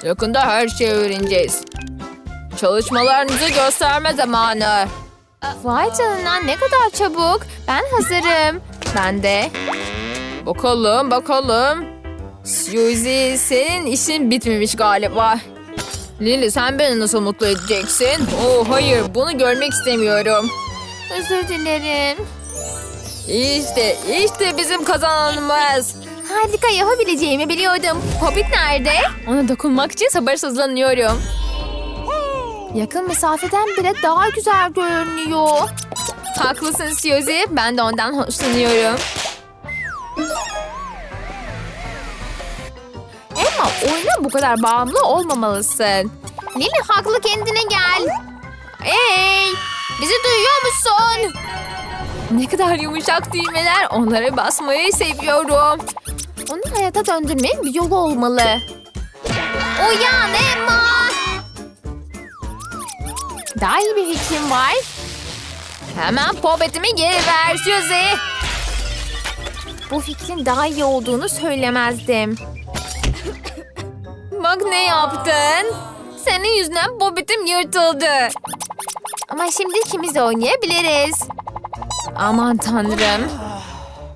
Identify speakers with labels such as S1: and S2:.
S1: Yakında her şeyi öğreneceğiz. Çalışmalarınızı gösterme zamanı. Vay canına, ne kadar çabuk. Ben hazırım. Ben de. Bakalım. Suzy, senin işin bitmemiş galiba. Lily, sen beni nasıl mutlu edeceksin? Oh hayır, bunu görmek istemiyorum. Özür dilerim. İşte bizim kazananımız. Harika, yapabileceğimi biliyordum. Poppet nerede? Ona dokunmak için sabırsızlanıyorum. Yakın mesafeden bile daha güzel görünüyor. Haklısın Suzy. Ben de ondan hoşlanıyorum. Emma, oyuna bu kadar bağımlı olmamalısın. Lily haklı, kendine gel. Hey! Bizi duyuyor musun? Ne kadar yumuşak düğmeler. Onlara basmayı seviyorum. Onu hayata döndürmenin bir yolu olmalı. Uyan Emma! Daha iyi bir fikrim var. Hemen popetimi geri ver Suzy. Bu fikrin daha iyi olduğunu söylemezdim. Bak ne yaptın? Senin yüzünden popetim yırtıldı. Ama şimdi ikimiz de oynayabiliriz. Aman tanrım.